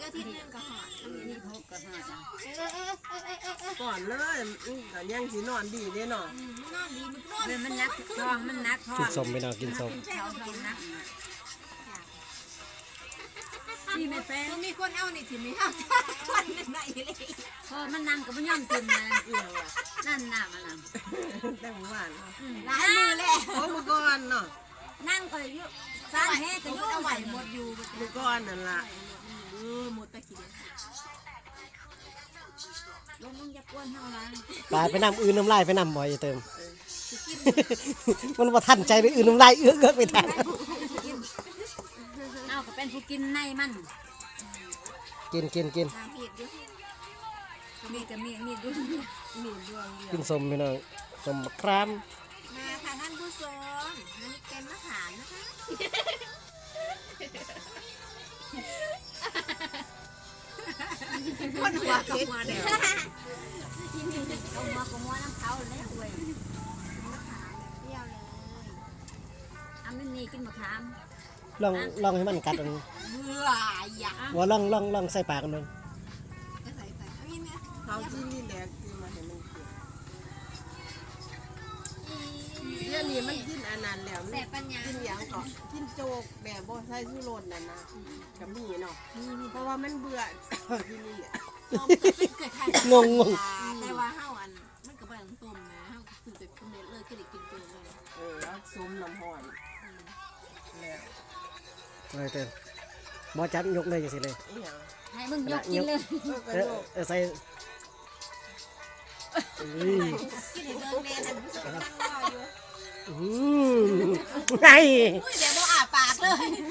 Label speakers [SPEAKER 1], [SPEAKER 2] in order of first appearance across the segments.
[SPEAKER 1] อาทิตย์นึงก็หอด
[SPEAKER 2] นี่พกก็หาจ้ะ
[SPEAKER 3] ก่อนเลยแต่ยังสินอนดีเด้เนาะ
[SPEAKER 1] นอนดีมันนอน
[SPEAKER 2] มันนักท้องมันนักท้อง
[SPEAKER 4] กินสมไปหน่อยกินสม
[SPEAKER 2] เขาท้องนักนี่ไม่เป็น
[SPEAKER 1] มีคนเอานี่ถิ่นมีเอาจ้าคนไหนเลย
[SPEAKER 2] พอมันนั่งก็ไม่ยอมกินนะนั่นน่ะมันนั่ง
[SPEAKER 3] แต่หมู่บ้าน
[SPEAKER 1] หลายมือแล้ว
[SPEAKER 3] โอ้เมื่อก่อนเนาะ
[SPEAKER 2] นั่งก็ยุ่สาแห่ก็ยุ่
[SPEAKER 1] เอาไหวหมดอยู่
[SPEAKER 3] เมื่อก่อนนั่นล่ะ
[SPEAKER 1] หมดตะกี้
[SPEAKER 2] ลงมึงจะกวนเท่าไร
[SPEAKER 4] ไปนำอื่นน้ำลายไปนำบ่อยเติม มันว่าทันใจหรืออื่นน้ำลายเอื้อไปทัน
[SPEAKER 2] เอาก็เป็นผู้กินในมัน
[SPEAKER 4] กิน
[SPEAKER 1] ทางผิดอยู่
[SPEAKER 2] มีแต่มีด้วย
[SPEAKER 3] มีดวงเดียว
[SPEAKER 4] กินสมไปหน่อยสมคราม
[SPEAKER 1] มาค่ะท่านผู้ชมอันนี้เป็นมะขามนะคะคนหัวกับหัวเดียว
[SPEAKER 2] เอามาก็มัวน้ำเขาแล้วเว้ย
[SPEAKER 1] เปรี้ยวเลย
[SPEAKER 2] อันนี้นี่กินมะขาม
[SPEAKER 4] ลองให้มันกัดอัน
[SPEAKER 1] เบื่ออยาก
[SPEAKER 4] ว่าลองใส่ปากกันเลย
[SPEAKER 1] จะใส่เอาอย่างนี้
[SPEAKER 3] เขาที่นี่แหละคือมาเห็นมันเรื่องนี้มันกินอันนั้นแล้ว
[SPEAKER 1] แสบปัญญา
[SPEAKER 3] กินอย่างก็กินโจกแบบบ่ใส่ชูรสนั่นนะก็มีเนาะเพราะว่ามันเบื่อที่นี่
[SPEAKER 1] เกิดใครง แต่ว่าเฮาอันมันก็บ่ต้องต้มนะเฮาคือแบบกินเด็ดเลยก็ได้กินตัวเลย
[SPEAKER 3] ซุมน้ำห้อนแล้ว
[SPEAKER 4] เลยเติมบ่จับยกเลยจังสิเลย
[SPEAKER 3] อีหยัง
[SPEAKER 2] ให้มึงยกกินเลย
[SPEAKER 3] กระโดด
[SPEAKER 4] ใส่
[SPEAKER 1] กินให้เบิ่งแน่นะผู้ชมนั่งรออยู่
[SPEAKER 4] ไง
[SPEAKER 1] อุ้ยเดี๋ยวบ่อาปากเลย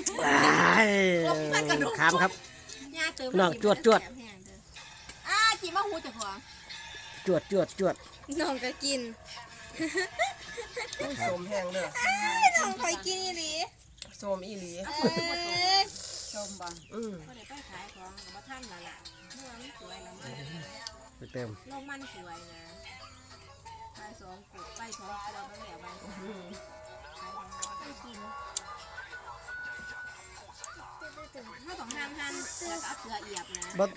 [SPEAKER 4] ขามครับ
[SPEAKER 1] ย่าเติม
[SPEAKER 4] น้องจวด
[SPEAKER 1] จิมาหูจักหัว
[SPEAKER 4] จวด
[SPEAKER 1] น้องก็กิน
[SPEAKER 3] สมแห้งเด้อ
[SPEAKER 1] น้องคอยกินอีหลี
[SPEAKER 3] สมอีหลี
[SPEAKER 2] ชมบ่
[SPEAKER 3] อืม
[SPEAKER 1] บ่ได้ไปขายของก็บ่ทันแล้วล่ะเมื่อมันสวยแล้วมัน
[SPEAKER 4] เติม
[SPEAKER 1] โลกมันสวยนะขาย2กุดไป2ตัวมันแล้วไปขายของกินถ้าต้องหั่นแล้วก็เอาเกลือเอียบนะ
[SPEAKER 4] บ่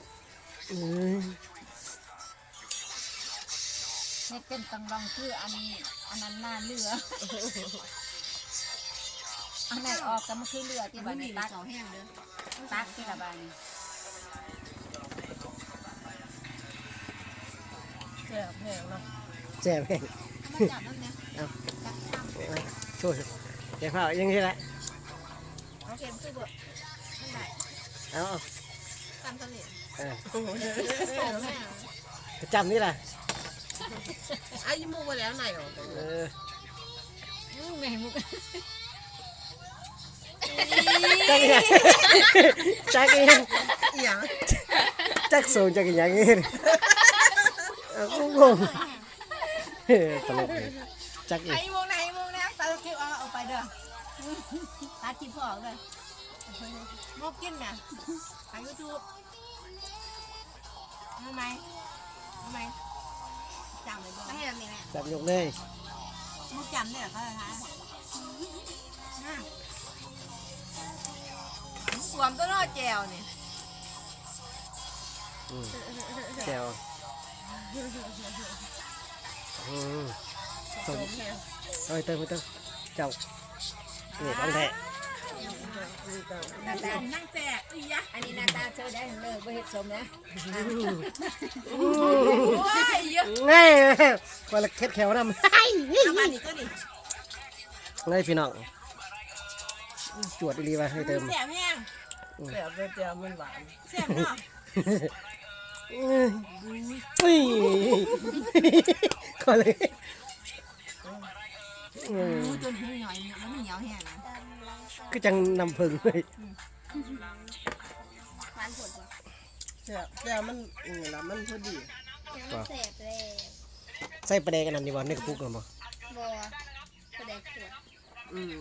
[SPEAKER 2] ให้เป็นตังรองคืออันนั้นหน้าเรืออันไหนออกก็มันคือเรือที่บ้านตัก
[SPEAKER 1] แห้งเด้อ
[SPEAKER 2] ตักที่ละบ้าน
[SPEAKER 3] แซ่บแห้งเนาะ
[SPEAKER 4] แจ่มแห้ง
[SPEAKER 1] มาจับนั่นนะ
[SPEAKER 4] ช่วยแก่เผายังไงละ
[SPEAKER 1] เอาเข็มคือบ่มันได้
[SPEAKER 4] เอา
[SPEAKER 1] ตามสนิท
[SPEAKER 4] จำนี่ล่ะ
[SPEAKER 3] ไอ้ยมูไปแล้วไหนออก
[SPEAKER 2] แม่มุก
[SPEAKER 4] จักยัง
[SPEAKER 3] อีหยัง
[SPEAKER 4] จักสูงจักยังงี้กูงงตลกเลยจักอีก
[SPEAKER 1] ไอ้วงนะตาคลิปเอาไปเด้อตัดคลิปออกเลยมกกินน่ะทาง YouTube ทำไมจำเลยบ่ไม่ให้แบบนี้แม่
[SPEAKER 4] จับยกเลย
[SPEAKER 1] มกจำได้เหรอเขาจะทายสวมตัวนอแจวนี่
[SPEAKER 4] แก้วสมเอ้ยเติมเจ้านี่ต้องแท้
[SPEAKER 1] หน้าตานั่งแจกอียะ
[SPEAKER 2] อันนี้หน้าตาเธอได้เลยบ่เฮ็ดสมนะ
[SPEAKER 1] โอ้ยเยอะ
[SPEAKER 4] ง่ายคนละเค็ดแขวนำ
[SPEAKER 1] เอามานี่ก็ดิ
[SPEAKER 4] เลยพี่น้องจวดดีว่ะให้เติม
[SPEAKER 1] แสบแห้ง
[SPEAKER 3] แซ่บเลยเจียวมันหวาน
[SPEAKER 1] แสบเนาะ
[SPEAKER 4] อุ้ยก็เลย
[SPEAKER 1] จนหูหน่อยเนี่ยมันเหนียวแห้งนะ
[SPEAKER 4] ก็จังนำผึ้งเลย
[SPEAKER 1] หวานผดว่ะ
[SPEAKER 3] แซ่บแซ่บมันนี่ล่ะมันพอดี
[SPEAKER 1] แสบเลย
[SPEAKER 4] ใส่ปลาแดกกันนั่นดีกว่าในกระปุกกันบ่
[SPEAKER 1] บัวกระเด็กขวด
[SPEAKER 3] อืม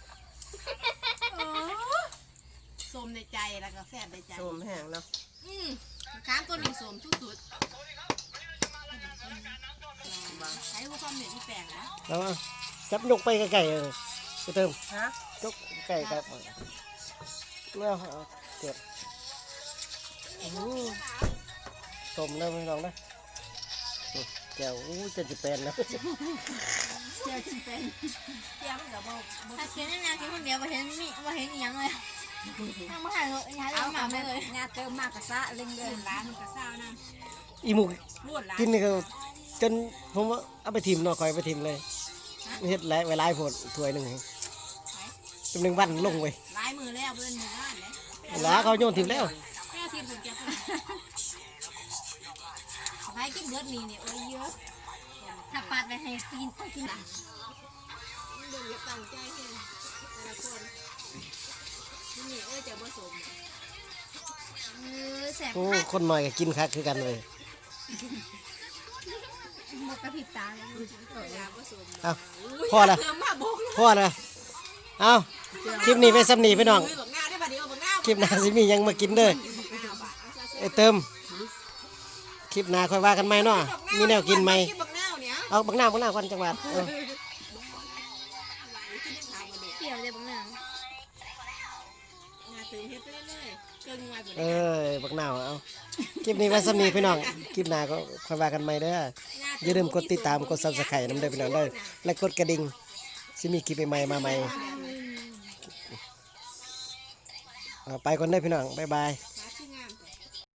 [SPEAKER 1] ส้มในใจแล้วก็แสบในใจ
[SPEAKER 3] สมแห้งเนาะ
[SPEAKER 1] ค้างตัวนี้ส้มสุดๆใช้ความเหนื่อยที่แปลงนะ
[SPEAKER 4] แล้วจับยกไปไก่ไปเติม
[SPEAKER 3] ฮะ
[SPEAKER 4] ยกไก่ครับแล้วเก็บต้มแล้วพี่น้องนะแก้วจะเป็นนะ
[SPEAKER 2] เจียวจนเป็น
[SPEAKER 1] เตี้ยมันก็บ่
[SPEAKER 2] ถ้ากินนานๆกินคนเดียวมาเห็นมีมาเห็นอีหยังเลยทางมาหาเลยหาเรื่องหมาไม่เลย
[SPEAKER 1] งาเติมมากกะซะเล่งเด้อร้านกะซ่านะ
[SPEAKER 4] อีหมู
[SPEAKER 1] รวดหลาย
[SPEAKER 4] กินนี่ก็จนผมว่าเอาไปทิมเนาะคอยไปทิมเลยเฮ็ดหลายไว้หลายโพดถ้วยหนึงจำนึงวันลงไว้
[SPEAKER 1] หลายมือแล้วเพิ่นหมู่บ้านเลย
[SPEAKER 4] หลาเขาโยนทิมแล้ว
[SPEAKER 1] แม่ทีมผมแกเพิ่นไปกินเบิดนี่เนี่ยโอ้ยเยอะ
[SPEAKER 2] ถ้าปาดไปให้กินต้องกิน
[SPEAKER 1] เบิ่งอย่าตั้งใจเฮ็ดแต่ละคนนี่เอ้ยจะบ่สม
[SPEAKER 2] แสบ
[SPEAKER 4] โอ้คนหน่อยก็กินคักคือกันเลย
[SPEAKER 2] หมดกระพริบตาเลย
[SPEAKER 1] อย่าบ่สม
[SPEAKER 4] เอาพอละ
[SPEAKER 1] เพิ่มมาบก
[SPEAKER 4] พอละเอาคลิปนี้ไปซ้ำนี้พี่น้อง
[SPEAKER 1] บักหน้าได้บัดนี้เอาบักหน้า
[SPEAKER 4] คลิปหน้าสิมีหยังมากินเด้อไอ้เติมคลิปหน้าค่อยว่ากันใหม่เนาะมีแนวกินใหม่
[SPEAKER 1] บักหน้าเนี่ย
[SPEAKER 4] เอาบักหน้าก่อนจังหวัด
[SPEAKER 2] เกี่ยวเลยบางอย่าง
[SPEAKER 1] งาตื่นเฮ็ดไปเรื่อยๆเกินงาบ่
[SPEAKER 4] เอ
[SPEAKER 1] ได้
[SPEAKER 4] อบักหน้าเอาคลิปนี้ไว้ซ้ำนี้พี่น้องคลิปหน้าก็ค่อยว่ากันใหม่เด้ออย่าลืมกดติดตามกด Subscribe นำเด้อพี่น้องเด้อและกดกระดิ่งสิมีคลิปใหม่ๆมาใหม่เอาไปก่อนเด้อพี่น้องบ๊ายบาย